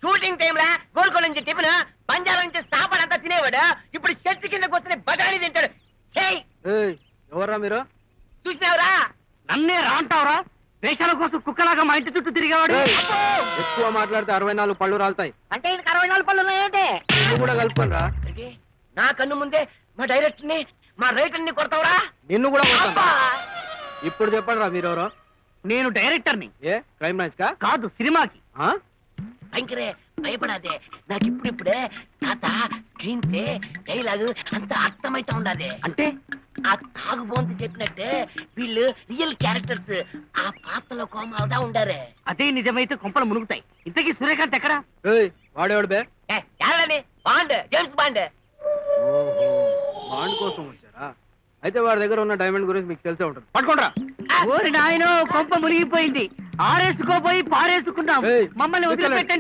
Shooting time లా గోల్కొండ నుంచి tiffin Panjala నుంచి సాపాడు అంతా తినేవాడు ఇప్పుడు చెట్టు కింద కూర్చొని బఠానీ తింటాడు. ఎవర్రా మీరు? చూసినావురా? నన్నే రాంటావరా? వేషాల కోసం కుక్కలాగా మా ఇంటి చుట్టూ తిరిగేవాడు. ఎక్కువ మాట్లాడితే 64 పళ్ళు రాలుతాయి. అంటే ఈయనకి 64 పళ్ళు ఉన్నాయంటే నువ్వు కూడా కలుపుకొని రా. నా కన్ను ముందే మా డైరెక్టర్ ని మా రైటర్ ని కొడతావురా? నిన్ను కూడా కొడతాను. అబ్బా! ఇప్పుడు చెప్పండి రా మీరెవరో. నేను డైరెక్టర్ని. ఏ క్రైమ్ బ్రాంచ్ కా? కాదు, సినిమాకి. ఆ? భయంకరే భయపడాదే. నాకు ఇప్పుడిప్పుడే తాత స్క్రీన్ ప్లే డైలాగ్ అంత అర్థమైతే ఉండాలి. అంటే ఆ తాగుబోంత చెప్పినట్టే వీళ్ళు రియల్ క్యారెక్టర్స్ ఆ పాత్రలో కోమాలుగా ఉండారే. అదే నిజమైతే కొంపలు మునుగుతాయి. ఇంతకీ సూర్యకాంత్ ఎక్కడా? వాడేవాడు బే? ఎవరని? Bond, James Bond. ఓహో, బాండ్ కోసం వచ్చారా? అయితే వాడి దగ్గర ఉన్న డైమండ్ గురించి మీకు తెలిసే ఉంటుంది. పట్టుకోండి. ఓరి నాయనో, కొంప మునిగిపోయింది. ఆరేసుకోపోయి పారేసుకున్నాం. ఏయ్, మమ్మల్ని వదిలిపెట్టండి.